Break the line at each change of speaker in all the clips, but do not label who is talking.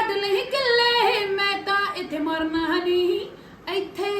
ਵੱਢ ਲਈ ਕਿੱਲੇ ਮੈਂ ਤਾਂ ਇੱਥੇ ਮਰਨਾ ਨਹੀਂ ਇੱਥੇ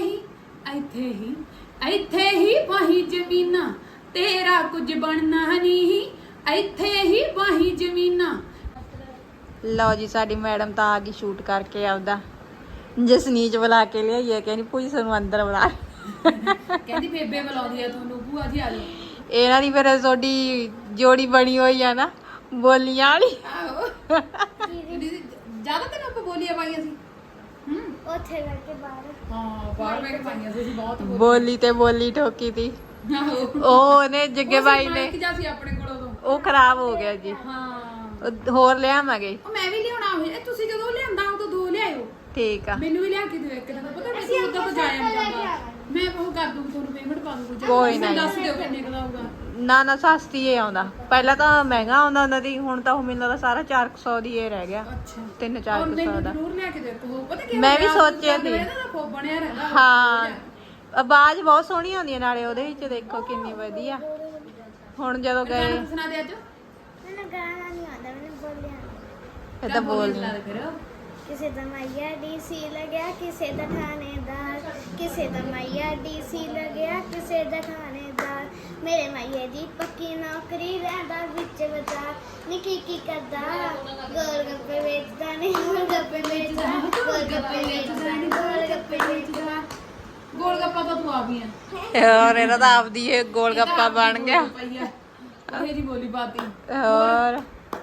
ਹੀ ਵਾਹੀ ਜ਼ਮੀਨਾਂ ਤੇਰਾ ਕੁਝ ਬਣਨਾ ਨਹੀਂ ਇੱਥੇ ਹੀ ਵਾਹੀ ਜ਼ਮੀਨਾਂ।
ਲਓ ਜੀ ਸਾਡੀ ਮੈਡਮ ਤਾਂ ਆ ਗਈ ਸ਼ੂਟ ਕਰਕੇ ਆਪਦਾ ਜਸਨੀਤ ਬੁਲਾ ਕੇ ਲਿਆਈਏ ਕਹਿੰਦੀ ਭੂਜੀ ਸਾਨੂੰ ਅੰਦਰ ਬੁਲਾ
ਕਹਿੰਦੀ ਬੇਬੇ ਬੁਲਾਉਂਦੀ ਆ ਤੁਹਾਨੂੰ ਭੂਆ ਜੀ ਆ ਜਾਓ।
ਇਹਨਾਂ ਦੀ ਫਿਰ ਤੁਹਾਡੀ ਜੋੜੀ ਬਣੀ ਹੋਈ ਆ ਨਾ ਬੋਲੀਆਂ ਵਾਲੀ।
ਆਹੋ ਜ਼ਿਆਦਾ ਤਾਂ ਆਪਾਂ ਬੋਲੀਆਂ ਪਾਈਆਂ ਸੀ
ਉੱਥੇ ਬੈਠ ਕੇ ਬਾਹਰ
ਹਾਂ ਬਾਹਰ ਬੈਠ ਕੇ ਪਾਈਆਂ ਸੀ ਅਸੀਂ ਬਹੁਤ
ਬੋਲੀ ਤੇ ਬੋਲੀ ਠੋਕੀ ਤੀ
ਆਹੋ
ਉਹਨੇ ਜੱਗੇ ਬਾਈ ਨੇ
ਮਾਈਕ ਜਾ ਸੀ ਆਪਣੇ ਕੋਲ ਉਦੋਂ
ਉਹ ਖਰਾਬ ਹੋ ਗਿਆ ਜੀ
ਹਾਂ
ਉਹ ਹੋਰ ਲਿਆਵਾਂਗੇ
ਉਹ ਮੈਂ ਵੀ ਲਿਆਉਣਾ ਹੋਇਆ ਤੁਸੀਂ ਜਦੋਂ ਲਿਆਂਦਾ ਉਦੋਂ ਦੋ ਲਿਆਇਓ
ਠੀਕ ਆ
ਮੈਨੂੰ ਵੀ ਲਿਆ ਕੇ ਦਿਓ ਇੱਕ ਤਾਂ ਪਤਾ ਮੈਂ ਉਦੋਂ ਤੋਂ ਜਾਇਆ ਨਹੀਂ ਜਾਂਦਾ ਮੈਂ ਉਹ ਕਰ ਦੂੰਗੀ ਤੁਹਾਨੂੰ ਪੇਮੈਂਟ ਪਾ ਦੂੰਗੀ
ਕੋਈ ਨਾ
ਦੱਸ ਦਿਓ ਕਿੰਨੇ ਕੁ ਦਾ ਹੋਊਗਾ।
ਨਾ ਸਸਤੀ ਏ ਆਉਂਦਾ ਪਹਿਲਾਂ ਤਾਂ ਮਹਿੰਗਾ ਆਉਂਦਾ ਉਹਨਾਂ ਦੀ ਹੁਣ ਤਾਂ ਉਹ ਮੈਨੂੰ ਲੱਗਦਾ ਸਾਰਾ 400 ਦੀ ਇਹ ਰਹਿ ਗਿਆ
ਅੱਛਾ
300-400 ਦਾ
ਜ਼ਰੂਰ ਲਿਆ ਕੇ ਦਿਓ ਉਹ ਪਤਾ ਕੀ
ਮੈਂ ਵੀ ਸੋਚਿਆ ਸੀ
ਇਹਦਾ ਤਾਂ ਬਣਿਆ ਰਹਿੰਦਾ
ਹਾਂ ਆਵਾਜ਼ ਬਹੁਤ ਸੋਹਣੀ ਆਉਂਦੀ ਹੈ ਨਾਲੇ ਉਹਦੇ ਵਿੱਚ ਦੇਖੋ ਕਿੰਨੀ ਵਧੀਆ ਹੁਣ ਜਦੋਂ ਗਏ
ਗਾਣਾ ਸੁਣਾ ਦੇ ਅੱਜ
ਮੈਨੂੰ ਗਾਣਾ ਨਹੀਂ ਆਉਂਦਾ ਮੈਨੂੰ ਬੋਲਿਆ
ਇਹ ਤਾਂ ਬੋਲ
ਫਿਰ
ਕਿਸੇ ਦਾ ਮਾਇਆ ਡੀਸੀ ਲੱਗਿਆ ਕਿਸੇ ਦਾ ਥਾਣੇਦਾਰ ਕਿਸੇ ਦਾ ਮਾਇਆ ਡੀਸੀ ਲੱਗਿਆ ਕਿਸੇ ਦਾ ਥਾਣੇਦਾਰ ਮੇਰੇ ਮਾਇਆ ਦੀ ਪੱਕੀ ਨੌਕਰੀ ਰਹਿੰਦਾ ਵਿੱਚ ਬਾਜ਼ਾਰ ਨੀ ਕੀ ਕਰਦਾ ਗੋਲ ਗੱਪੇ ਵੇਚਦਾ ਨਹੀਂ ਗੋਲ ਗੱਪੇ ਵੇਚਦਾ ਗੋਲ ਗੱਪੇ ਵੇਚਦਾ ਨਹੀਂ ਗੋਲ ਗੱਪੇ ਵੇਚਦਾ
ਗੋਲ ਗੱਪਾ ਤਾਂ ਤੂੰ ਆਪ ਹੀ ਆ
ਹੋਰ ਇਹਦਾ ਤਾਂ ਆਪਦੀ ਇਹ ਗੋਲ ਗੱਪਾ ਬਣ ਗਿਆ
ਉਹ ਜੀ ਬੋਲੀ ਬਾਤੀ
ਹੋਰ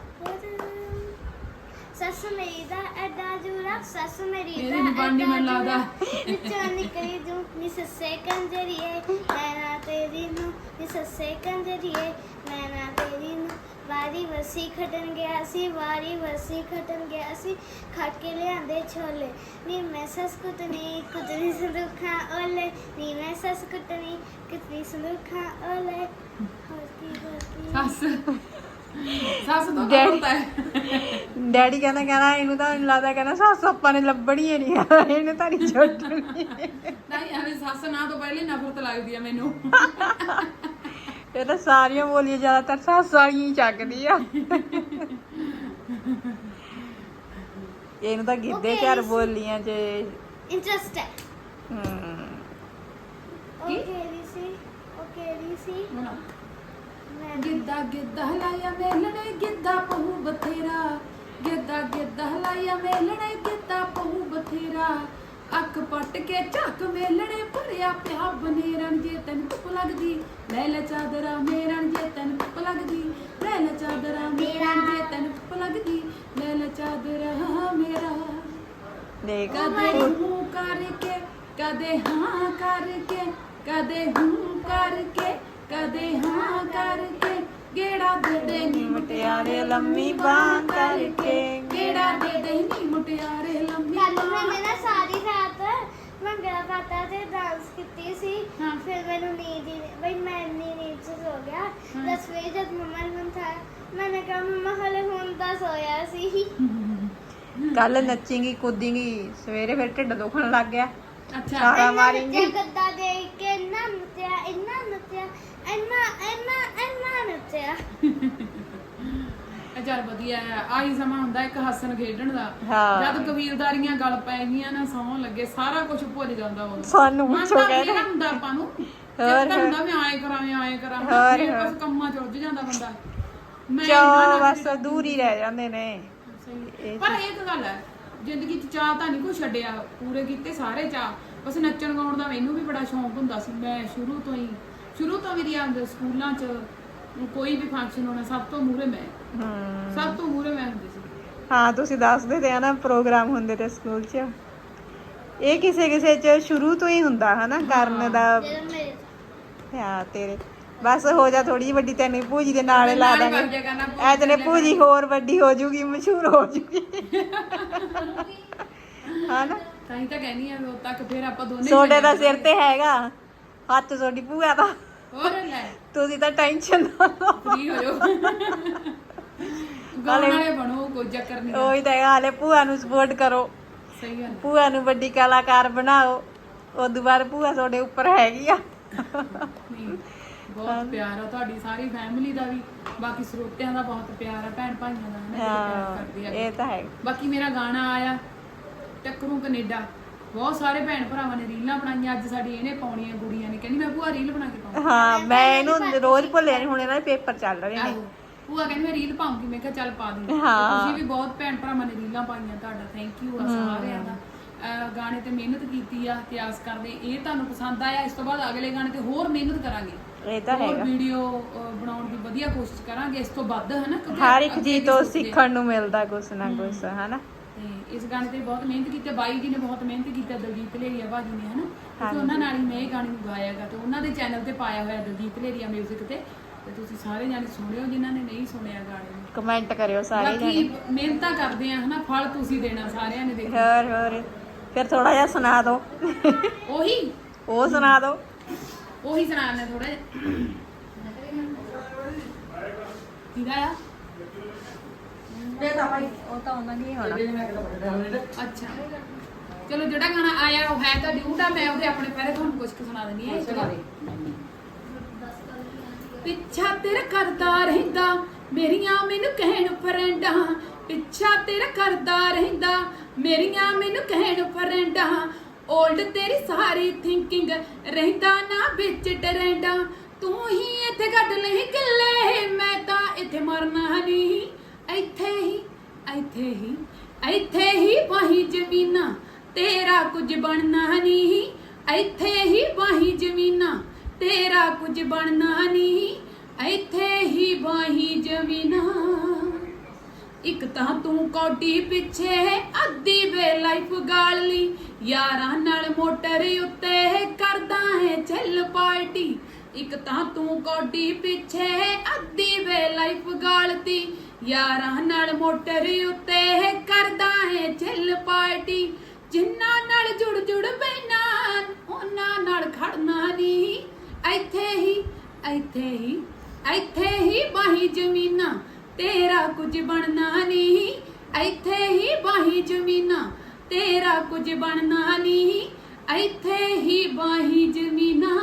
ਸੱਸ ਮੇਰੀ ਦਾ ਐਡਾ ਜੂਰਾ ਸੱਸ ਮੇਰੀ
ਮੇਰੀ
ਦਾ
ਨੀ ਬਣਨੀ
ਐਡਾ
ਮੈਨੂੰ ਲੱਗਦਾ।
ਜੂਰਾ ਵਿੱਚੋਂ ਨਿਕਲੀ ਜੂ ਨੀ ਸੱਸੇ ਕੰਜਰੀਏ ਮੈਂ ਨਾ ਤੇਰੀ ਨੂੰ ਨੀ ਸੱਸੇ ਕੰਜਰੀਏ ਮੈਂ ਨਾ ਤੇਰੀ ਨੂੰ ਵਾਰੀ ਵਸੀ ਖਟਣ ਗਿਆ ਸੀ ਵਾਰੀ ਵਸੀ ਖਟਣ ਗਿਆ ਸੀ ਖੱਟ ਕੇ ਲਿਆਂਦੇ ਛੋਲੇ ਨੀ ਮੈਂ ਸੱਸ ਕੁੱਟਣੀ ਸੰਦੂਖਾਂ ਓਲੇ ਨੀ ਮੈਂ ਸੱਸ ਕੁੱਟਣੀ ਸੰਦੂਖਾਂ ਓਲੇ ਹੋਤੀ
ਸੱਸ ਤੋਂ ਤਾਂ ਹੁੰਦਾ ਹੈ
ਡੈਡੀ ਕਹਿੰਦਾ ਇਹਨੂੰ ਤਾਂ ਮੈਨੂੰ ਲੱਗਦਾ ਕਹਿੰਦਾ ਸੱਸ ਆਪਾਂ ਨੇ ਲੱਭਣੀ ਹੀ ਨਹੀਂ ਇਹਨੇ ਤਾਂ ਨਹੀਂ ਛੱਡਣੀ
ਨਹੀਂ ਐਵੇਂ ਸੱਸ ਨਾ ਤੋਂ ਪਹਿਲੇ ਨਫ਼ਰਤ ਲੱਗਦੀ ਆ ਮੈਨੂੰ
ਇਹ ਤਾਂ ਸਾਰੀਆਂ ਬੋਲੀਆਂ ਜ਼ਿਆਦਾਤਰ ਸੱਸ ਵਾਲੀਆਂ ਹੀ ਚੱਕਦੀ ਆ ਇਹਨੂੰ ਤਾਂ ਗਿੱਧੇ ਘਰ ਬੋਲੀਆਂ ਚ
ਇੰਟਰਸਟ ਹੈ
ਹਮ
ਓਕੇ ਸੀ ਮੈਂ
ਗਿੱਧਾ ਹਲਾਇਆ ਮੇਲਣੇ ਗਿੱਧਾ ਪਹੂ ਬਥੇਰਾ ਗਿੱਧਾ ਹਲਾਇਆ ਮੇਲਣੇ ਗਿੱਧਾ ਪਹੂ ਬਥੇਰਾ ਅੱਖ ਪੱਟ ਕੇ ਝੱਕ ਮੇਲਣੇ ਭਰਿਆ ਪਿਆ ਬਨੇਰਨ ਜੇ ਤੈਨੂੰ ਧੁੱਪ ਲੱਗਦੀ ਲੈ ਲੈ ਚਾਦਰਾ ਮੇਰਨ ਜੇ ਤੈਨੂੰ ਧੁੱਪ ਲੱਗਦੀ ਲੈ ਲੈ ਚਾਦਰਾ ਮੇਰਨ ਜੇ ਤੈਨੂੰ ਧੁੱਪ ਲੱਗਦੀ ਲੈ ਲੈ ਚਾਦਰਾ ਮੇਰਾ
ਦੇਖ
ਕਦੇ ਹੂੰ ਕਰਕੇ ਕਦੇ ਹਾਂ ਕਰਕੇ ਕਦੇ ਹੂੰ ਕਰਕੇ ਕਦੇ ਹਾਂ ਕਰਕੇ ਗੇੜਾ ਦੇ ਦੇ ਨੀ
ਮੁਟਿਆਰੇ ਲੰਮੀ ਬਾਂਹ ਕਰਕੇ
ਗੇੜਾ ਦੇ ਦੇ ਨੀ ਮੁਟਿਆਰੇ ਲੰਮੀ
ਕੱਲ ਮੈंने ना सारी रात भंगड़ा पाता ਤੇ डांस ਕੀਤੀ ਸੀ ਫਿਰ ਮੈਨੂੰ ਨੀਂਦ ਹੀ ਬਈ ਮੈਂ ਨੀਂਦ ਚ ਸੋ ਗਿਆ 10 ਵਜੇ ਜਦ ਮੰਮਾ ਨੇ ਉਠਾਇਆ मैंने कहा मम्मा हले ਹੁਣ ਤਾਂ ਸੋਇਆ ਸੀ
ਕੱਲ ਨੱਚੇਂਗੀ ਕੂਦੇਂਗੀ ਸਵੇਰੇ ਫਿਰ ਢਿੱਡ ਦੁਖਣ ਲੱਗ ਗਿਆ
ਅੱਛਾ
ਸਾਰਾ ਮਾਰੇਂਗੀ
ਗੱਦਾ ਦੇਖ ਕੇ ਇੰਨਾ ਨੱਚਿਆ ਇੰਨਾ ਨੱਚਿਆ
ਚੱਲ ਵਧੀਆ ਆ ਆਹੀ ਸਮਾਂ ਹੁੰਦਾ ਇੱਕ ਹੱਸਣ ਖੇਡਣ ਦਾ
ਹਾਂ।
ਜਦ ਕਬੀਲਦਾਰੀਆਂ ਗੱਲ ਪੈ ਗਈਆਂ ਨਾ ਸੌਣ ਲੱਗੇ ਸਾਰਾ ਕੁਝ ਭੁੱਲ ਜਾਂਦਾ ਉਹ
ਸਾਨੂੰ ਪੁੱਛੋ ਕਹਿੰਦੇ
ਹੁੰਦਾ ਆਪਾਂ ਨੂੰ
ਹੋਰ
ਤਾਂ ਹੁੰਦਾ ਮੈਂ ਆਏ ਕਰਾਂ
ਹੋਰ
ਫਿਰ ਬਸ ਕੰਮਾਂ ਚ ਉੱਝ ਜਾਂਦਾ ਬੰਦਾ ਮੈਂ
ਚੋ ਬਸ ਦੂਰ ਹੀ ਰਹਿ ਜਾਂਦੇ ਨੇ
ਪਰ ਇੱਕ ਗੱਲ ਹੈ ਜ਼ਿੰਦਗੀ ਚ ਚਾਹ ਤਾਂ ਨਹੀਂ ਕੋਈ ਛੱਡਿਆ ਪੂਰੇ ਕੀਤੇ ਸਾਰੇ ਚਾਹ ਬਸ ਨੱਚਣ ਗਾਉਣ ਦਾ ਮੈਨੂੰ ਵੀ ਬੜਾ ਸ਼ੌਂਕ ਹੁੰਦਾ ਸੀ ਮੈਂ ਸ਼ੁਰੂ ਤੋਂ ਮੇਰੀ ਆਂਦੇ ਸਕੂਲਾਂ ਚ ਕੋਈ ਵੀ ਫੰਕਸ਼ਨ ਹੋਣਾ ਸਭ ਤੋਂ ਮੂਹਰੇ ਮੈਂ ਹੁੰਦੀ ਸੀ
ਹਾਂ ਤੁਸੀਂ ਦੱਸਦੇ ਤੇ ਆ ਨਾ ਪ੍ਰੋਗਰਾਮ ਹੁੰਦੇ ਤੇ ਸਕੂਲ 'ਚ ਇਹ ਕਿਸੇ ਚ ਸ਼ੁਰੂ ਤੋਂ ਹੀ ਹੁੰਦਾ ਹਨਾ ਕਰਨ ਦਾ
ਜਦੋਂ ਮੇਰੇ
ਹਾਂ ਤੇਰੇ ਬਸ ਹੋ ਜਾ ਥੋੜੀ ਜਿਹੀ ਵੱਡੀ ਤੈਨੂੰ ਭੂਜੀ ਦੇ ਨਾਲ ਲਾ
ਨਾਲ
ਦਾਂਗੇ
ਬਣ ਜਾਇਆ ਕਰਨਾ, ਭੂਜੀ
ਐ ਤੈਨੇ ਭੂਜੀ ਹੋਰ ਵੱਡੀ ਹੋ ਜੂਗੀ ਮਸ਼ਹੂਰ ਹੋ ਜੂਗੀ ਹਨਾ
ਤਾਂ ਹੀ ਤਾਂ ਕਹਿੰਦੀ ਆ ਵੀ ਉਦੋਂ ਤੱਕ ਫਿਰ ਆਪਾਂ ਦੋਨੇ
ਸੋਡੇ ਦਾ ਸਿਰ ਤੇ ਹੈਗਾ ਹੱਥ ਤੁਹਾਡੀ ਭੂਆ ਦਾ
ਹੋਰ ਲੈ
ਤੁਸੀਂ ਤਾਂ ਟੈਨਸ਼ਨ ਨਾ ਲਓ
ਫ੍ਰੀ ਹੋ ਜਾਓ ਗਾਣੇ ਵਾਲੇ ਬਣੋ ਕੋਈ ਚੱਕਰ ਨਹੀਂ
ਉਹੀ ਤਾਂ ਹੈਗਾ ਹਾਲੇ ਭੂਆ ਨੂੰ ਸਪੋਰਟ ਕਰੋ
ਸਹੀ ਗੱਲ
ਭੂਆ ਨੂੰ ਵੱਡੀ ਕਲਾਕਾਰ ਬਣਾਓ ਉਦੋਂ ਬਾਅਦ ਭੂਆ ਤੁਹਾਡੇ ਉੱਪਰ ਹੈਗੀ ਆ
ਨਹੀਂ ਬਹੁਤ ਪਿਆਰ ਆ ਤੁਹਾਡੀ ਸਾਰੀ ਫੈਮਿਲੀ ਦਾ ਵੀ, ਬਾਕੀ ਸਰੋਤਿਆਂ ਦਾ ਬਹੁਤ ਪਿਆਰ ਆ, ਭੈਣ ਭਾਈਆਂ ਦਾ ਹਨਾ, ਜਿਹੜੇ ਪਿਆਰ ਕਰਦੇ ਆ।
ਇਹ ਤਾਂ ਹੈ।
ਬਾਕੀ ਮੇਰਾ ਗਾਣਾ ਆਇਆ ਟੱਕਰੂ ਕੈਨੇਡਾ, ਬਹੁਤ ਸਾਰੇ ਭੈਣ ਭਰਾਵਾਂ ਨੇ ਰੀਲਾਂ ਬਣਾਈਆਂ। ਅੱਜ ਸਾਡੀ ਇਹਨੇ ਪਾਉਣੀਆਂ ਗੁੜੀਆਂ ਨੇ, ਕਹਿੰਦੀ ਮੈਂ ਭੂਆ ਰੀਲ ਬਣਾ ਕੇ ਪਾਉਂਗੀ।
ਹਾਂ ਮੈਂ ਇਹਨੂੰ ਰੋਜ਼ ਭੁੱਲਿਆ ਨਹੀਂ, ਹੁਣ ਇਹਨਾਂ ਦੇ ਪੇਪਰ ਚੱਲ ਰਹੇ ਨੇ।
ਆਹੋ, ਭੂਆ ਕਹਿੰਦੀ ਮੈਂ ਰੀਲ ਪਾਉਂਗੀ, ਮੈਂ ਕਿਹਾ ਚੱਲ ਪਾ ਦੀ।
ਹਾਂ।
ਤੁਸੀਂ ਵੀ ਬਹੁਤ ਭੈਣ ਭਰਾਵਾਂ ਨੇ ਰੀਲਾਂ ਪਾਈਆਂ, ਤੁਹਾਡਾ ਥੈਂਕ ਯੂ ਆ ਸਾਰਿਆਂ ਦਾ। ਗਾਣੇ ਤੇ ਮਿਹਨਤ ਕੀਤੀ ਆ ਤੇ ਆਸ ਕਰਦੇ ਇਹ ਤੁਹਾਨੂੰ ਪਸੰਦ ਆਇਆ। ਇਸ ਤੋਂ ਬਾਅਦ ਅਗਲੇ ਗਾਣੇ ਤੇ ਹੋਰ ਮਿਹਨਤ ਕਰਾਂਗੇ,
ਇਹ ਤਾਂ
ਹੋਰ
ਹੈਗਾ।
ਵੀਡੀਓ ਬਣਾਉਣ ਦੀ ਵਧੀਆ ਕੋਸ਼ਿਸ਼ ਕਰਾਂਗੇ ਇਸ ਤੋਂ ਵੱਧ, ਹਨਾ, ਕਿਉਂਕਿ
ਹਰ ਇੱਕ
ਅੱਗੇ
ਚੀਜ਼
ਵੀ
ਤੋਂ
ਸੋਚਦੇ ਆ।
ਸਿੱਖਣ ਨੂੰ ਮਿਲਦਾ ਕੁਛ ਨਾ ਕੁਛ, ਹਨਾ।
ਤੇ ਇਸ ਗਾਣੇ ਤੇ ਬਹੁਤ ਮਿਹਨਤ ਕੀਤੀ, ਬਾਈ ਜੀ ਨੇ ਬਹੁਤ ਮਿਹਨਤ ਕੀਤੀ, ਦਲਜੀਤ ਲੇਰੀਆ ਭਾਜੀ ਨੇ, ਹਨਾ, ਕਿਉਂਕਿ ਉਹਨਾਂ ਨਾਲ ਹੀ ਮੈਂ ਇਹ ਗਾਣੇ ਨੂੰ ਗਾਇਆਗਾ ਤੇ ਉਹਨਾਂ ਦੇ ਚੈਨਲ ਤੇ ਪਾਇਆ ਹੋਇਆ ਦਲਜੀਤ ਲੇਰੀਆ ਮਿਊਜ਼ਿਕ ਤੇ ਤੁਸੀਂ ਸਾਰੇ ਜਾਣੇ ਸੁਣਿਓ ਜਿਨ੍ਹਾਂ ਨੇ ਨਹੀਂ ਸੁਣਿਆ ਗਾਣੇ ਨੂੰ।
ਕਮੈਂਟ ਕਰਿਓ ਸਾਰੇ
ਬਾਕੀ
ਜਣੇ।
ਮਿਹਨਤਾਂ ਕਰਦੇ ਆ, ਹਨਾ, ਫਲ ਤੁਸੀਂ ਦੇਣਾ ਸਾਰਿਆਂ ਨੇ। ਦੇਖੋ
ਹੋਰ ਫਿਰ ਥੋੜਾ ਜਿਹਾ ਸੁਣਾ ਦਿਓ।
ਉਹੀ
ਉਹ ਸੁਣਾ ਦਿਓ।
ਉਹੀ ਸੁਣਾਉਣਾ ਥੋੜਾ ਜਿਹਾ। ਕਿਹਦਾ ਆ?
ਉਹ ਤਾਂ ਉਹਨਾਂ ਦੀ ਹੋਣਾ।
ਅੱਛਾ ਚਲੋ, ਜਿਹੜਾ ਗਾਣਾ ਆਇਆ ਉਹ ਹੈ ਤਾਂ ਡਿਊਟ ਆ, ਮੈਂ ਉਹਦੇ ਆਪਣੇ ਪਹਿਰੇ ਤੁਹਾਨੂੰ ਕੁਝ ਕੁ ਸੁਣਾ ਦਿੰਦੀ ਆ। ਪਿੱਛਾ ਤੇਰਾ ਕਰਦਾ ਰਹਿੰਦਾ ਮੇਰੀਆਂ ਮੈਨੂੰ ਕਹਿਣ ਫਰੈਂਡਾਂ, ਪਿੱਛਾ ਤੇਰਾ ਕਰਦਾ ਰਹਿੰਦਾ ਮੇਰੀਆਂ ਮੈਨੂੰ ਕਹਿਣ ਫਰੈਂਡਾਂ, ਓਲਡ ਤੇਰੀ ਸਾਰੀ ਥਿੰਕਿੰਗ ਰਹਿੰਦਾ ਨਾ ਵਿੱਚ ਟਰੈਂਡਾਂ, ਤੂੰ ਹੀ ਇੱਥੇ ਕੱਢ ਲਈ ਕਿੱਲੇ ਮੈਂ ਤਾਂ ਇੱਥੇ ਮਰਨਾ ਨਹੀਂ, ਇੱਥੇ ਹੀ ਇੱਥੇ ਹੀ ਇੱਥੇ ਹੀ ਵਾਹੀ ਜ਼ਮੀਨਾਂ ਤੇਰਾ ਕੁਝ ਬਣਨਾ ਨਹੀਂ, ਇੱਥੇ ਹੀ ਵਾਹੀ ਜ਼ਮੀਨਾਂ ਤੇਰਾ ਕੁਝ ਬਣਨਾ ਨਹੀਂ, ਇੱਥੇ ਹੀ ਵਾਹੀ ਜ਼ਮੀਨਾਂ। ਇੱਕ ਤਾਂ ਤੂੰ ਕੌਡੀ ਪਿੱਛੇ ਅੱਧੀ ਵੇ ਲਾਈਫ ਗਾਲ ਲਈ, ਯਾਰਾਂ ਨਾਲ ਮੋਟਰ ਉੱਤੇ ਕਰਦਾ ਹੈ ਚੱਲ ਪਾਰਟੀ, ਇੱਕ ਤਾਂ ਤੂੰ ਕੌਡੀ ਪਿੱਛੇ ਅੱਧੀ ਵੇ ਲਾਈਫ ਗਾਲਤੀ, ਯਾਰਾਂ ਨਾਲ ਮੋਟਰ ਉੱਤੇ ਕਰਦਾ ਹੈ ਚੱਲ ਪਾਰਟੀ, ਜਿੰਨਾਂ ਨਾਲ ਜੁੜ ਜੁੜ ਬੈਨਾ ਉਹਨਾਂ ਨਾਲ ਖੜਨਾ ਨਹੀਂ, ਇੱਥੇ ਹੀ ਇੱਥੇ ਹੀ ਇੱਥੇ ਹੀ ਵਾਹੀ ਜ਼ਮੀਨਾਂ ਤੇਰਾ ਕੁਝ ਬਣਨਾ ਨਹੀਂ, ਇੱਥੇ ਹੀ ਵਾਹੀ ਜ਼ਮੀਨਾਂ ਤੇਰਾ ਕੁਝ ਬਣਨਾ ਨਹੀਂ, ਇੱਥੇ ਹੀ ਵਾਹੀ ਜ਼ਮੀਨਾਂ।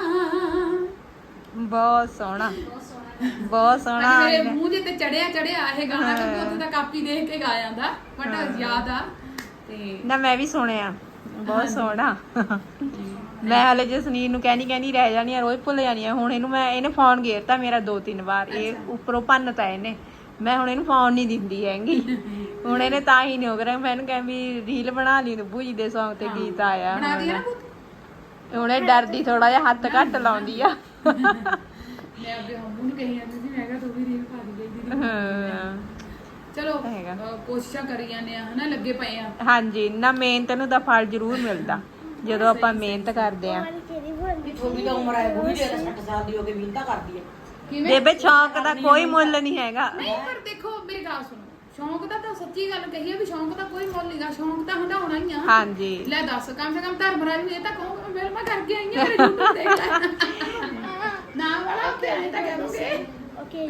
ਬਹੁਤ ਸੋਹਣਾ, ਬਹੁਤ ਸੋਹਣਾ।
ਮੇਰੇ ਮੂੰਹ ਦੇ ਤੇ ਚੜਿਆ ਇਹ ਗਾਣਾ, ਕਿਉਂਕਿ ਉੱਥੇ ਤਾਂ ਕਾਪੀ ਦੇਖ ਕੇ ਗਾ ਜਾਂਦਾ, ਬਟ ਯਾਦ ਆ ਤੇ
ਨਾ ਮੈਂ ਵੀ ਸੁਣਿਆ, ਬਹੁਤ ਸੋਹਣਾ। ਮੈਂ ਹਲੇ ਜਸਨੀਰ ਨੂੰ ਕਹਿੰਦੀ ਰਹਿ ਜਾਣੀ ਆ, ਰੋਜ਼ ਭੁੱਲ ਜਾਣੀ ਆ। ਹੁਣ ਇਹਨੇ ਫੋਨ ਘੇਰਤਾ ਮੇਰਾ 2-3 ਵਾਰ, ਇਹ ਉੱਪਰੋਂ ਭੰਨਤਾ ਇਹਨੇ। ਮੈਂ ਹੁਣ ਇਹਨੂੰ ਫੋਨ ਨਹੀਂ ਦਿੰਦੀ ਹੈਗੀ, ਹੁਣ ਇਹਨੇ ਤਾਂ ਹੀ ਨਹੀਂ ਹੋ ਰਿਹਾ। ਮੈਂ ਇਹਨੂੰ ਕਹਿੰਦੀ ਵੀ ਰੀਲ ਬਣਾ ਲਈ, ਨੂਬੂ ਜੀ ਦੇ ਸੌਂਗ ਤੇ ਗੀਤ ਆਇਆ ਹੁਣ ਇਹ ਡਰਦੀ ਥੋੜਾ ਜਿਹਾ, ਹੱਥ ਘੱਟ ਲਾਉਂਦੀ ਆ।
ਮੈਂ ਆਪਣੇ ਹੰਮੂ ਨੂੰ ਕਹੀ ਜਾਂਦੀ ਸੀ, ਮੈਂ ਕਿਹਾ ਤੂੰ ਵੀ ਰੀਲ ਪਾ ਦੇ ਦੀਦੀ। ਚਲੋ ਕੋਸ਼ਿਸ਼ਾਂ ਕਰੀ ਜਾਂਦੇ ਆ, ਹਨਾ, ਲੱਗੇ ਪਏ ਆ।
ਹਾਂਜੀ ਨਾ, ਮਿਹਨਤ ਨੂੰ ਤਾਂ ਫਲ ਜ਼ਰੂਰ ਮਿਲਦਾ ਜਦੋਂ ਆਪਾਂ ਮਿਹਨਤ ਕਰਦੇ ਆ।
ਥੋੜੀ ਤਾਂ ਉਮਰ ਹੈ, ਬੁੜੀ ਦੇ 60 ਸਾਲ ਦੀ ਹੋ ਕੇ ਮਿਹਨਤਾਂ ਕਰਦੀ ਹੈ।
ਬੇਬੇ ਸ਼ੌਂਕ ਦਾ ਕੋਈ ਮੁੱਲ ਨਹੀਂ ਹੈਗਾ।
ਨਹੀਂ ਪਰ ਦੇਖੋ ਮੇਰੀ ਗੱਲ ਸੁਣੋ, ਸ਼ੌਂਕ ਦਾ ਤਾਂ ਸੱਚੀ ਗੱਲ ਕਹੀਏ ਵੀ ਸ਼ੌਂਕ ਦਾ ਕੋਈ ਮੁੱਲ ਨਹੀਂਗਾ, ਸ਼ੌਂਕ ਤਾਂ ਹੰਡਾਉਣਾ ਹੀ ਆ।
ਹਾਂਜੀ
ਲੈ ਦੱਸ, ਕਮ ਸੇ ਕਮ ਧਰਮਰਾਜ ਨੂੰ ਇਹ ਤਾਂ ਕਹੂੰਗਾ ਮੈਂ ਕਰਕੇ ਆਈ ਆ, ਮੇਰੇ YouTube ਦੇਖ ਲੈ ਨਾ ਵਾਲਾ ਪਿਆਰੇ ਤਾਂ ਕਰੋਗੇ।
ਓਕੇ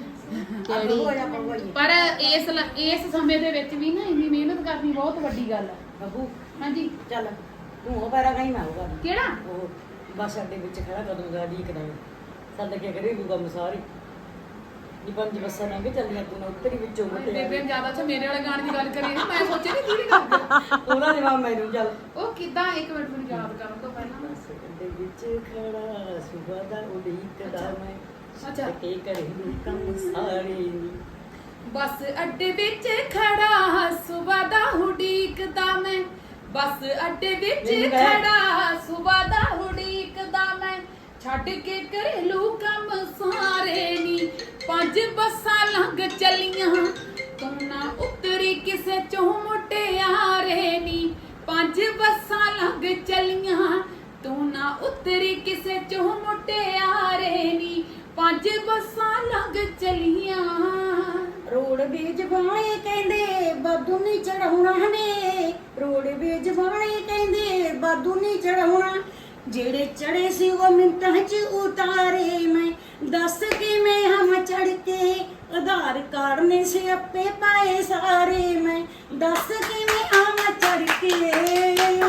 ਪਰ ਇਸ ਸਮੇਂ ਦੇ ਵਿੱਚ ਵੀ ਨਾ ਇੰਨੀ ਮਿਹਨਤ ਕਰਨੀ ਬਹੁਤ ਵੱਡੀ ਗੱਲ ਹੈ।
ਬਹੂ
ਹਾਂਜੀ
ਚੱਲ ਤੂੰ ਉਹ ਪੈਰਾ ਗਈ, ਮੈਂ ਹੋਗਾ
ਕਿਹੜਾ
ਉਹ ਬੱਸ ਅੱਡੇ ਵਿੱਚ ਖੜਾ ਕਦੋਂ ਗਾੜੀ ਕਰਾਂਗੇ ਸਾਡਾ ਕੀ ਕਰੇ ਲੂਗਾ ਮਸਾਰੀ ਜੀ, 5 ਬੱਸਾਂ ਲੰਘ ਚੱਲੀਆਂ, ਤੂੰ ਉੱਤਰੀ ਵਿੱਚੋਂ ਮੁੱਤੇ
ਬੇਬੇ ਜ਼ਿਆਦਾ ਤਾਂ ਮੇਰੇ ਵਾਲੇ ਗਾਣੇ ਦੀ ਗੱਲ ਕਰੀ ਨਾ, ਮੈਂ ਸੋਚਿਆ ਨਹੀਂ ਕੀ ਕਰਦੇ
ਉਹਦਾ ਜਵਾਬ ਮੈਨੂੰ ਚੱਲ।
ਉਹ ਕਿਦਾਂ, ਇੱਕ ਮਿੰਟ ਮੈਨੂੰ ਯਾਦ ਕਰਨ ਤੋਂ ਪਹਿਲਾਂ
ਬੱਸ ਅੱਡੇ ਵਿੱਚ ਖੜਾ ਸੁਬਾ ਦਾ ਉਡੀਕਦਾ ਮੈਂ,
ਅੱਛਾ
ਕੇ ਕਰੇ ਕੰਮ ਸਾਰੇ
ਬੱਸ ਅੱਡੇ ਵਿੱਚ ਖੜਾ ਸੁਬਾ ਦਾ ਉਡੀਕਦਾ ਮੈਂ, ਬੱਸ ਅੱਡੇ ਵਿੱਚ ਖੜਾ ਸੁਬਾ ਦਾ ਉਡੀਕਦਾ ਮੈਂ, ਛੱਡ ਕੇ ਘਰੇਲੂ ਕੰਮ ਸਾਰੇ ਨੀ, 5 ਬੱਸਾਂ ਲੰਘ ਚੱਲੀਆਂ ਤੂੰ ਨਾ ਉਤਰੀ ਕਿਸੇ ਚੋਂ ਮੁਟਿਆਰੇ ਨੀ, 5 ਬੱਸਾਂ ਲੰਘ ਚੱਲੀਆਂ ਤੂੰ ਨਾ ਉਤਰੀ ਕਿਸੇ ਚੋਂ ਮੁਟਿਆਰੇ ਨੀ, 5 ਬੱਸਾਂ ਲੰਘ ਚੱਲੀਆਂ।
ਰੋਡ ਵੇਚ ਬਾਣੇ ਕਹਿੰਦੇ ਬਾਦੂ ਨਹੀਂ ਚੜਾਉਣਾ ਨੇ, ਰੋਡ ਵੇਚ ਬਾਣੇ ਕਹਿੰਦੇ ਬਾਦੂ ਨਹੀਂ ਚੜਾਉਣਾ, ਜਿਹੜੇ ਚੜੇ ਸੀ ਉਹ ਮਿੰਟਾਂ 'ਚ ਉਤਾਰੇ ਮੈਂ, ਦੱਸ ਕਿਵੇਂ ਹਮ ਚੜ ਕੇ ਆਧਾਰ ਕਾਰਡ ਨੇ ਸਿਆਪੇ ਪਾਏ ਸਾਰੇ ਮੈਂ, ਦੱਸ ਕਿਵੇਂ ਹਮ ਚੜ ਕੇ।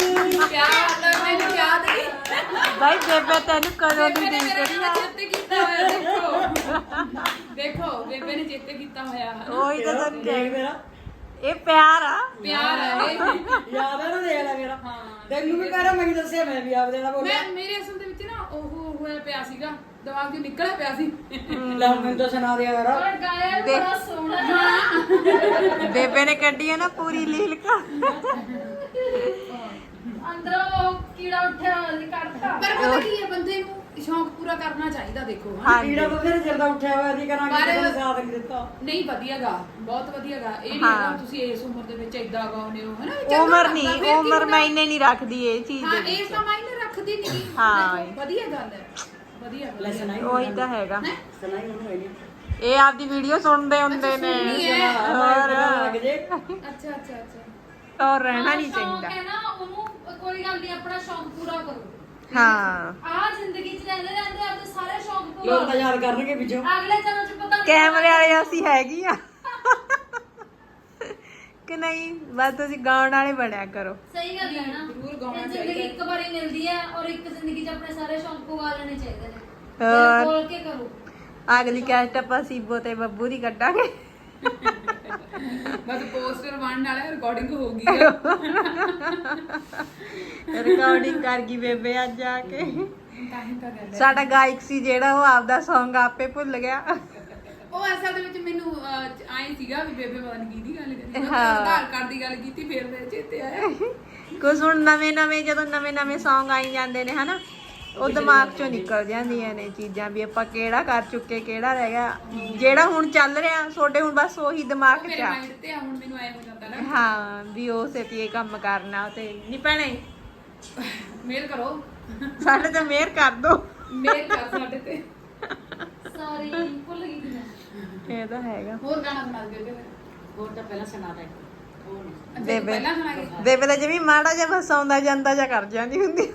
ਪਿਆਰ ਮੈਨੂੰ ਯਾਦ ਨਹੀਂ
ਬਾਈ ਬੇਬੇ ਤੈਨੂੰ ਕਦੋਂ ਦੀ ਦੇਖ
ਮੇਰਾ
ਰਹੀ ਆ।
ਚਿੱਤ ਕੀਤਾ ਹੋਇਆ ਦੇਖੋ ਬੇਬੇ ਨੇ ਚੇਤੇ ਕੀਤਾ ਹੋਇਆ
ਉਹੀ ਤਾਂ ਤੁਹਾਨੂੰ
ਦੇਖ
ਕਹਿ
ਮੇਰਾ
ਇਹ ਪਿਆਰ ਆ
ਪਿਆਰ ਹੈ ਇਹ।
ਯਾਦ ਹੈ ਨਾ ਦੇਖ ਲੈ ਮੇਰਾ
ਹਾਂ
ਤੈਨੂੰ ਵੀ ਕਹਿਣਾ ਮੈਂ ਦੱਸਿਆ ਮੈਂ ਵੀ ਆਪਦੇ ਨਾਲ ਬੋਲਿਆ
ਮੈਂ ਮੇਰੇ ਅਸਲ ਦੇ ਵਿੱਚ ਨਾ ਉਹ ਹੋਇਆ ਪਿਆ ਸੀਗਾ ਦਿਮਾਗ 'ਚੋਂ ਨਿਕਲਿਆ ਪਿਆ ਸੀ
ਲੈ ਹੁਣ ਮੈਨੂੰ ਤਾਂ ਸੁਣਾ ਦਿਆ ਯਾਰ
ਪਰ ਗਾਇਆ
ਦੇਖ।
ਬੜਾ ਸੋਹਣਾ
ਬੇਬੇ ਨੇ ਕੱਢੀ ਆ ਨਾ ਪੂਰੀ ਲੀਲਕਾ
ਅੰਦਰੋਂ ਉਹ ਕੀੜਾ ਉੱਠਿਆ ਕੱਢਤਾ ਪਰ ਪਤਾ ਕੀ ਹੈ ਬੰਦੇ ਨੂੰ ਸ਼ੌਂਕ ਪੂਰਾ ਕਰਨਾ ਚਾਹੀਦਾ ਦੇਖੋ ਹਨਾ।
ਹਾਂਜੀ
ਕੀੜਾ ਬਥੇਰੇ ਚਿਰ ਦਾ ਉੱਠਿਆ ਹੋਇਆ ਸੀ ਕਰਾਂਗੇ
ਪਰ-
ਕਿਸੇ ਨੇ ਸਾਥ ਨਹੀਂ ਦਿੱਤਾ
ਨਹੀਂ ਵਧੀਆਗਾ ਬਹੁਤ ਵਧੀਆਗਾ ਇਹ ਨਹੀਂ
ਹਾਂ।
ਹੈਗਾ ਤੁਸੀਂ ਇਸ ਉਮਰ ਦੇ ਵਿੱਚ ਇਦਾਂ ਗਾਉਨੇ ਹੋ ਹਨਾ ਵੀ ਚੰਗਾ
ਉਮਰ
ਲੱਗਦਾ,
ਨਹੀਂ
ਫਿਰ ਕੀ
ਉਮਰ
ਹੁੰਦਾ?
ਮਾਇਨੇ ਨਹੀਂ ਰੱਖਦੀ ਇਹ ਚੀਜ਼
ਹਾਂ
ਦੇ
ਇਹ
ਵਿੱਚ
ਤਾਂ ਮਾਇਨੇ ਰੱਖਦੀ ਨਹੀਂ
ਹਾਂ।
ਵਧੀਆ ਗੱਲ ਹੈ ਵਧੀਆ
ਲੈ ਸੁਣਾਈ
ਉਹੀ ਤਾਂ ਹੈਗਾ
ਹੈਂ?
ਸੁਣਾਈ ਉਹਨੂੰ ਹੋਈ ਨਹੀਂ
ਇਹ ਆਪਦੀ ਵੀਡੀਓ ਸੁਣਦੇ ਹੁੰਦੇ ਨੇ
ਸੁਣਨੀ ਹੈ।
ਹੋਰ
ਲੱਗ ਜੇ
ਅੱਛਾ ਅੱਛਾ ਅੱਛਾ
ਔਰ ਰਹਿਣਾ ਨਹੀਂ
ਸ਼ੌਂਕ
ਚਾਹੀਦਾ
ਹੈ ਨਾ ਉਹਨੂੰ ਕੋਈ ਗੱਲ ਨਹੀਂ ਆਪਣਾ ਸ਼ੌਂਕ ਪੂਰਾ ਕਰੋ
ਹਾਂ
ਆ ਜ਼ਿੰਦਗੀ 'ਚ ਰਹਿੰਦੇ ਰਹਿੰਦੇ ਆਪਣੇ ਸਾਰੇ ਸ਼ੌਂਕ ਪੂਰਾ
ਲੋਕ ਤਾਂ ਯਾਦ ਕਰਨਗੇ ਵਿੱਚੋਂ
ਅਗਲੇ ਜਨਮ 'ਚ ਪਤਾ ਨਹੀਂ
ਕੈਮਰੇ ਵਾਲੇ ਅਸੀਂ ਹੈਗੀ ਆ ਕਿ ਨਹੀਂ ਬਸ ਤੁਸੀਂ ਗਾਉਣ ਵਾਲੇ ਬਣਿਆ ਕਰੋ
ਸਹੀ ਗੱਲ ਹੈ ਨਾ
ਜ਼ਰੂਰ ਗਾਉਣਾ
ਇਹ ਜ਼ਿੰਦਗੀ
ਚਾਹੀਦਾ।
ਇੱਕ ਵਾਰੀ ਮਿਲਦੀ ਹੈ ਔਰ ਇੱਕ ਜ਼ਿੰਦਗੀ 'ਚ ਆਪਣੇ ਸਾਰੇ ਸ਼ੌਂਕ ਪੂਰਾ ਲੈਣੇ ਚਾਹੀਦੇ ਨੇ
ਹੋਰ।
ਦਿਲ ਖੋਲ ਕੇ ਕਰੋ
ਅਗਲੀ ਕੈਸਟ ਆਪਾਂ ਸੀਬੋ ਤੇ ਬੱਬੂ ਦੀ ਕੱਢਾਂਗੇ
ਬਸ ਪੋਸਟਰ ਬਣਨ ਵਾਲਾ ਰਿਕਾਰਡਿੰਗ ਹੋ ਗਈ ਹੈ
ਰਿਕਾਰਡਿੰਗ ਕਰ ਗਈ ਬੇਬੇ ਅੱਜ ਆ ਕੇ
ਤਾਂ ਹੀ ਤਾਂ ਗੱਲ ਹੈ
ਸਾਡਾ ਗਾਇਕ ਸੀ ਜਿਹੜਾ ਉਹ ਆਪਦਾ Song ਆਪੇ ਭੁੱਲ ਗਿਆ
ਉਹ ਅਸਲ ਦੇ ਵਿੱਚ ਮੈਨੂੰ ਆਏ ਸੀਗਾ ਵੀ ਬੇਬੇ ਪਤਾ ਨਹੀਂ ਕਿਹਦੀ ਗੱਲ ਕਰੀ ਮੈਂ
ਹਾਂ।
ਆਧਾਰ ਕਾਰਡ ਦੀ ਗੱਲ ਕੀਤੀ ਫਿਰ ਮੇਰੇ ਚੇਤੇ ਆਇਆ
ਕੁਝ ਹੁਣ ਨਵੇਂ ਜਦੋਂ ਨਵੇਂ Song ਆਈ ਜਾਂਦੇ ਨੇ ਹਨਾ ਉਹ ਦਿਮਾਗ ਚੋਂ ਨਿਕਲ ਜਾਂਦੀਆਂ ਨੇ ਚੀਜ਼ਾਂ ਵੀ ਆਪਾਂ ਕਿਹੜਾ ਕਰ ਚੁੱਕੇ ਕਿਹੜਾ ਰਹਿ ਗਿਆ ਜਿਹੜਾ ਹੁਣ ਚੱਲ ਰਿਹਾ ਤੁਹਾਡੇ ਹੁਣ ਬਸ ਉਹੀ ਦਿਮਾਗ 'ਚ
ਮੇਰੇ
ਆ
ਮਾਈਂਡ ਤੇ ਆ ਹੁਣ ਮੈਨੂੰ ਆਏ ਹੋ ਜਾਂਦਾ ਨਾ
ਹਾਂ ਵੀ ਉਹ ਸੇਤੀ ਇਹ ਕੰਮ ਕਰਨਾ ਤੇ ਨਹੀਂ ਭੈਣੇ
ਮੇਲ ਕਰੋ
ਸਾਡੇ ਤੇ ਮਿਹਰ ਕਰ ਦੋ
ਮੇਲ ਕਰ ਸਾਡੇ ਤੇ
ਸੌਰੀ ਭੁੱਲ ਗਈ ਸੀ ਮੈਂ
ਇਹ ਤਾਂ ਹੈਗਾ
ਹੋਰ ਗਾਣਾ ਸੁਣਾ ਦਿਓ ਬੇਬੇ
ਹੋਰ ਤਾਂ ਪਹਿਲਾਂ ਸੁਣਾ ਦੇ ਹੋਰ ਨਹੀਂ
ਅੱਛਾ
ਬੇਬੇ
ਪਹਿਲਾਂ ਸੁਣਾਗੇ
ਬੇਬੇ ਦਾ ਜਿਵੇਂ ਮਾੜਾ ਜਿਹਾ ਬਸ ਆਉਂਦਾ ਜਾਂਦਾ ਜਾਂ ਕਰ ਜਾਂਦੀ ਹੁੰਦੀ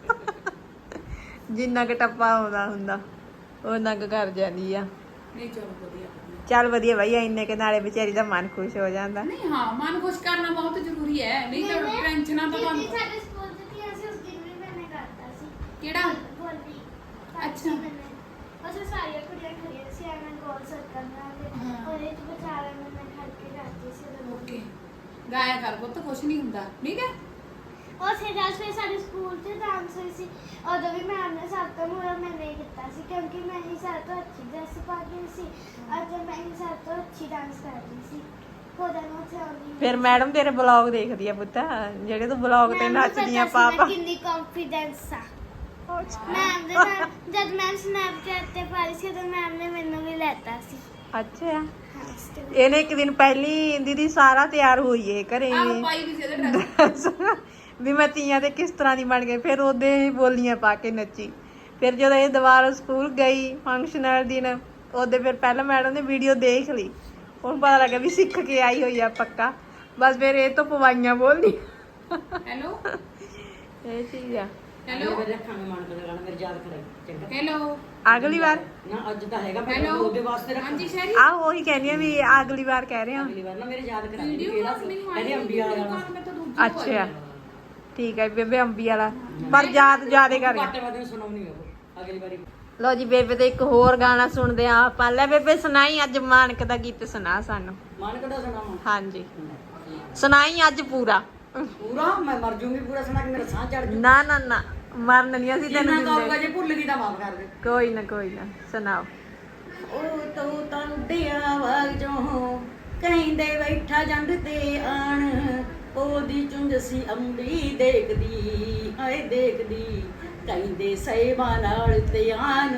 ਜਿੰਨਾ ਕੁ ਟੱਪਾ ਆਉਂਦਾ ਹੁੰਦਾ ਉਹਨਾਂ ਕੁ ਕਰ ਜਾਂਦੀ ਆ
ਨਹੀਂ ਚਲੋ ਵਧੀਆ
ਚੱਲ ਵਧੀਆ ਬਾਈ ਇੰਨੇ ਕੇ ਨਾਲੇ ਵਿਚਾਰੀ ਦਾ ਮਨ ਖੁਸ਼ ਹੋ ਜਾਂਦਾ
ਨਹੀਂ ਹਾਂ ਮਨ ਖੁਸ਼ ਕਰਨਾ ਬਹੁਤ ਜ਼ਰੂਰੀ ਹੈ ਨਹੀਂ ਤਾਂ ਟੈਨਸ਼ਨਾਂ ਤਾਂ
ਕਿਉਂਕਿ
ਤੁਹਾਨੂੰ
ਸਾਡੇ ਸਕੂਲ ਚ ਕੀ ਅਸੀਂ ਉਸ ਦਿਨ ਵੀ ਮੈਨੇ ਕਰਤਾ ਸੀ
ਕਿਹੜਾ
ਬੋਲੀ
ਅੱਛਾ।
ਅਸੀਂ ਸਾਰੀਆਂ ਕੁੜੀਆਂ ਖੜੀਆਂ ਸੀ ਐਵੇਂ ਗੋਲ ਸਰਕਲ ਨਾਲ
ਹਾਂ।
ਉਹਦੇ ਚ ਵਿਚਾਰਾ ਮੈਂ ਖੜ ਕੇ ਕਰਦੀ ਸੀ ਉਦੋਂ
ਓਕੇ ਗਾਇਆ ਕਰ ਪੁੱਤ ਕੁਛ ਨਹੀਂ ਹੁੰਦਾ ਠੀਕ ਹੈ
ਉਸੇ ਜਦ ਫਿਰ ਸਾਡੇ ਸਕੂਲ 'ਚ ਡਾਂਸ ਹੋਈ ਸੀ ਉਦੋਂ ਵੀ ਮੈਮ ਨੇ ਸਭ ਤੋਂ ਮੂਹਰੇ ਮੈਨੇ ਹੀ ਕੀਤਾ ਸੀ ਕਿਉਂਕਿ ਮੈਂ ਹੀ ਸਭ ਤੋਂ ਅੱਛੀ ਡਰੈਸ ਪਾ ਕੇ ਸੀ ਅੱਜ ਮੈਂ ਹੀ ਸਭ ਤੋਂ ਅੱਛੀ ਡਾਂਸ ਕਰ ਰਹੀ ਸੀ ਉਹਦਾ ਨੂੰ ਉੱਥੇ ਆਉਂਦੀ
ਫਿਰ ਮੈਡਮ ਤੇਰੇ ਬਲੌਗ ਦੇਖਦੀ ਆ ਪੁੱਤ ਜਿਹੜੇ ਤੂੰ ਬਲੌਗ ਤੇ
ਮੈਮ ਨੂੰ
ਨੱਚਦੀਆਂ
ਪਤਾ ਸੀ
ਪਾਪਾ
ਮੈਂ ਕਿੰਨੀ ਕੰਫੀਡੈਂਸ ਆ ਮੈਮ ਦੇ ਨਾਲ ਜਦ ਮੈਮ ਸਨੈਪਚੈਟ ਤੇ ਪਾ ਰਹੀ ਸੀ ਤਾਂ ਮੈਮ ਨੇ ਮੈਨੂੰ ਵੀ ਲੈਤਾ ਸੀ
ਅੱਛਾ
ਹਾਂ still।
ਇਹਨੇ ਇੱਕ ਦਿਨ ਪਹਿਲੀ ਦੀਦੀ ਸਾਰਾ ਤਿਆਰ ਹੋਈ ਏ ਘਰੇ
ਆਹ ਪਾਈ ਵੀ ਸੀ ਇਹਦੇ ਡਰੈਸ
ਵੀ ਮੈਂ ਤੀਆਂ ਤੇ ਕਿਸ ਤਰ੍ਹਾਂ ਦੀ ਬਣ ਗਈ ਫਿਰ ਉਹਦੇ ਹੀ ਬੋਲੀਆਂ ਪਾ ਕੇ ਨੱਚੀ ਫਿਰ ਜਦੋਂ ਇਹ ਦੁਬਾਰਾ ਸਕੂਲ ਗਈ ਫੰਕਸ਼ਨ ਵਾਲੇ ਦਿਨ ਉਹਦੇ ਫਿਰ ਪਹਿਲਾਂ ਮੈਡਮ ਨੇ ਵੀਡੀਓ ਦੇਖ ਲਈ ਹੁਣ ਪਤਾ ਲੱਗਾ ਵੀ ਸਿੱਖ ਕੇ ਆਈ ਹੋਈ ਆ ਪੱਕਾ ਬਸ ਫਿਰ ਇਹ ਤੋਂ ਪਵਾਈਆਂ ਬੋਲਦੀ
ਹੈਲੋ
ਇਹ ਚੀਜ਼ ਆ
ਹੈਲੋ
ਮੇਰੇ ਰੱਖਾਂਗੇ ਮਨ ਕਰ ਗਾਣਾ ਮੇਰੇ ਯਾਦ ਕਰਾਈ ਚੰਗਾ
ਹੈਲੋ
ਅਗਲੀ ਵਾਰ
ਨਾ ਅੱਜ ਤਾਂ ਹੈਗਾ ਮੈਂ
ਹੈਲੋ
ਉਹਦੇ ਵਾਸਤੇ ਰੱਖਾਂ
ਹਾਂਜੀ ਸ਼ੈਰੀ
ਆਹ ਉਹੀ ਕਹਿੰਦੀ ਆ ਵੀ ਅਗਲੀ ਵਾਰ ਕਹਿ ਰਹੇ ਆ
ਅਗਲੀ ਵਾਰ ਨਾ ਮੇਰੇ ਯਾਦ ਕਰਾ
ਵੀਡੀਓ
ਕਿਹੜਾ
ਕਾਲ
ਸੀ
ਮੈਨੂੰ
ਕਹਿੰਦੀ ਅੰਬੀ ਵਾਲਾ ਗਾਣਾ
ਮੈਂ ਤਾਂ ਦੂਜੀ
ਅੱਛਾ ਠੀਕ ਹੈ ਬੇਬੇ ਅੰਬੀ ਵਾਲਾ ਪਰ ਯਾਦ ਜ਼ਿਆਦੇ ਕਰ
ਘਾਟੇ ਵਾਦੇ ਨੂੰ ਸੁਣਾਉਣੀ ਉਹ ਅਗਲੀ ਵਾਰੀ
ਲੋ ਜੀ ਬੇਬੇ ਤੇ ਇੱਕ ਹੋਰ ਗਾਣਾ ਸੁਣਦੇ ਆ ਆਪਾਂ ਲੈ ਬੇਬੇ ਸੁਣਾਈ ਅੱਜ ਮਾਨਕ ਦਾ ਗੀਤ ਸੁਣਾ ਸਾਨੂੰ
ਮਨ ਕਦਾ ਸੁਣਾਵਾਂ
ਹਾਂਜੀ ਸੁਣਾਈ ਅੱਜ ਪੂਰਾ
ਪੂਰਾ ਮੈਂ ਮਰ ਜੂੰਗੀ ਪੂਰਾ ਸੁਣਾ ਕੇ ਮੇਰਾ ਸਾਹ ਚੜ ਜੂ
ਨਾ ਨਾ ਨਾ ਮਰਨ ਨਹੀਂ ਅਸੀਂ
ਜਿੰਨਾ
ਤੈਨੂੰ
ਕਹੂੰਗਾ
ਦਿੰਦੇ
ਜੇ ਭੁੱਲ ਗਈ ਤਾਂ ਮਾਫ ਕਰ ਦੇ
ਕੋਈ ਨਾ ਸੁਣਾਓ
ਉਹ ਤੂੰ ਤਾਂ ਉੱਡਿਆ ਵਾਗ ਜੋ ਕਹਿੰਦੇ ਬੈਠਾ ਜੰਡ ਤੇ ਆਣ ਉਹਦੀ ਚੁੰਝ ਸੀ ਅੰਬੀ ਦੇਖਦੀ ਹਾਏ ਦੇਖਦੀ ਕਹਿੰਦੇ ਸਹਿਬਾਂ ਨਾਲ ਧਿਆਨ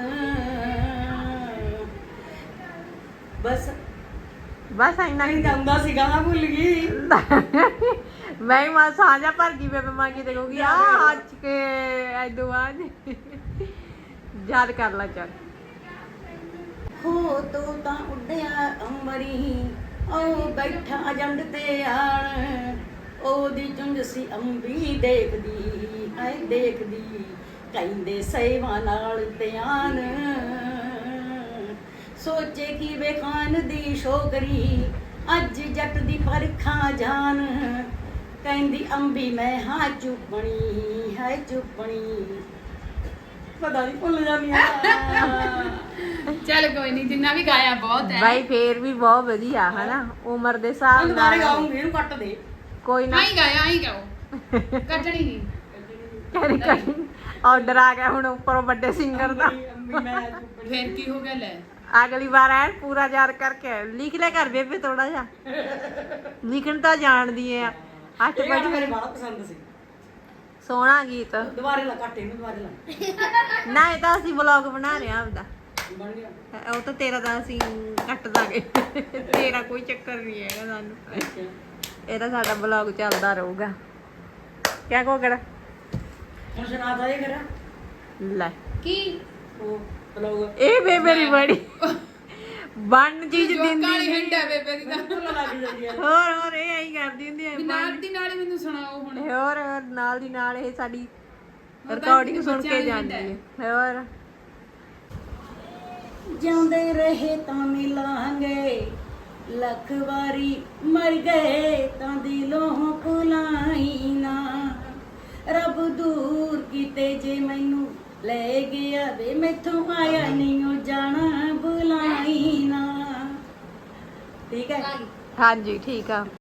ਬਸ
ਬਸ ਇੰਨਾ
ਨਹੀਂ
ਹੀ
ਗਾਉਂਦਾ ਸੀ ਗਾਣਾ ਭੁੱਲ ਗਈ
ਮੈਂ ਹੀ ਮਾਂ ਸਾਂਝਾ ਭਰ ਗਈ ਬੇਬੇ ਮਾਂ ਕੀ ਤੇ ਕਹੂਗੀ ਆ ਹੱਜ ਕੇ ਐਦੋ ਬਾਅਦ ਯਾਦ ਕਰ ਲੈ ਚੱਲ
ਹੋ ਤੂੰ ਤਾਂ ਉੱਡਿਆ ਅੰਬਰੀ ਉਹ ਬੈਠਾ ਜੰਡ ਤੇ ਆਣ ਉਹਦੀ ਚੁੰਝ ਸੀ ਅੰਬੀ ਦੇਖਦੀ ਹਾਏ ਦੇਖਦੀ ਕਹਿੰਦੇ ਸਹਿਬਾਂ ਨਾਲ ਧਿਆਨ ਸੋਚੇ ਕੀ ਵੇਖਾਨ ਦੀ ਸ਼ੋਕਰੀ ਅੱਜ ਜੱਟ ਦੀ ਪਰਖਾਂ ਜਾਨ ਕਹਿੰਦੀ ਅੰਬੀ ਮੈਂ ਹਾਂ ਚੁੱਪਣੀ ਹੈ ਚੁੱਪਣੀ ਪਤਾ ਨਹੀਂ ਭੁੱਲ ਜਾਂਦੀ ਆ
ਚੱਲ ਕੋਈ ਨਹੀਂ, ਜਿੰਨਾ ਵੀ ਗਾਇਆ ਬਹੁਤ ਹੈ।
ਬਾਈ ਫੇਰ ਵੀ ਬਹੁਤ ਵਧੀਆ ਹਨਾ, ਉਮਰ ਦੇ ਹਿਸਾਬ
ਦੁਬਾਰੇ
ਨਾਲ
ਗਾਉਂਗੀ ਇਹਨੂੰ ਕੱਟ ਦੇ
ਕੋਈ ਨਾ
ਆਈ ਗਾਇਆ ਆਈ ਗਾਓ, ਕੱਟਣੀ ਨਹੀਂ।
ਆਰਡਰ ਆ ਗਿਆ ਹੁਣ ਉੱਪਰੋਂ ਵੱਡੇ ਸਿੰਗਰ ਦਾ।
ਫੇਰ ਕੀ ਹੋ ਗਿਆ ਲੈ,
ਅਗਲੀ ਵਾਰ ਐ ਪੂਰਾ ਯਾਦ ਕਰਕੇ ਲਿਖ ਲੈ ਕਰ ਬੇਬੇ, ਥੋੜਾ ਜਿਹਾ ਲਿਖਣ ਤਾਂ ਜਾਣਦੀ ਐ। 8
ਇਹ ਗਾਣਾ
ਵਜੇ
ਮੇਰੇ ਬੜਾ ਪਸੰਦ ਸੀ।
ਸੋਹਣਾ ਗੀਤ।
ਦੁਬਾਰੇ ਲਾ ਕੱਟ ਇਹਨੂੰ, ਦੁਬਾਰੇ ਲਾ
ਨਾ ਇਹ ਤਾਂ ਅਸੀਂ ਵਲੌਗ ਬਣਾ ਰਹੇ ਆ ਆਪਦਾ,
ਬਣ ਗਿਆ।
ਉਹ ਤਾਂ ਤੇਰਾ ਤਾਂ ਅਸੀਂ ਕੱਟ ਦਾਂਗੇ। ਤੇਰਾ ਕੋਈ ਚੱਕਰ ਨਹੀਂ ਹੈਗਾ ਸਾਨੂੰ, ਇਹ ਤਾਂ ਸਾਡਾ ਵਲੌਗ ਚੱਲਦਾ ਰਹੂਗਾ। ਕਿਆ ਕੋ ਕਰ
ਹੁਣ ਸੁਣਾ ਦਾ ਇਹ ਕਰਾ
ਲੈ
ਕੀ
ਉਹ ਬਲੌਗ
ਇਹ ਬੇਬੇ ਦੀ ਬੜੀ ਬਣ ਚੀਜ਼
ਜੋਕਾਂ
ਦਿੰਦੀ
ਵਾਲੀ
ਨੀ।
ਹਿੰਡ ਹੈ ਬੇਬੇ ਦੀ ਤਾਂ।
ਲੱਗ ਜਾਂਦੀ ਆ।
ਹੋਰ ਇਹ ਐਂ ਕਰਦੀ ਹੁੰਦੀ
ਵੀ
ਹੈ
ਨਾਲ ਦੀ ਨਾਲ ਹੀ ਮੈਨੂੰ ਸੁਣਾਓ ਹੁਣ।
ਹੋਰ ਨਾਲ ਦੀ ਨਾਲ ਇਹ ਸਾਡੀ
ਤਾਂ
ਰਿਕਾਰਡਿੰਗ ਸੁਣ
ਬੱਚਿਆਂ
ਕੇ
ਦੀ
ਜਾਂਦੀ
ਹਿੰਡ
ਹੈ। ਹੋਰ
ਜਿਉਂਦੇ ਰਹੇ ਤਾਂ ਮਿਲਾਂਗੇ, ਲੱਖ ਵਾਰੀ ਮਰ ਗਏ ਤਾਂ ਦਿਲੋਂ ਭੁਲਾਈ ਨਾ। ਰੱਬ ਦੂਰ ਕੀਤੇ ਜੇ ਮੈਨੂੰ ਲੈ ਗਿਆ ਵੇ, ਮੈਥੋਂ ਆਇਆ ਨਹੀਂ ਉਹ ਜਾਣਾ, ਬੁਲਾਈ ਨਾ। ਠੀਕ ਹੈ।
ਹਾਂਜੀ ਠੀਕ ਆ।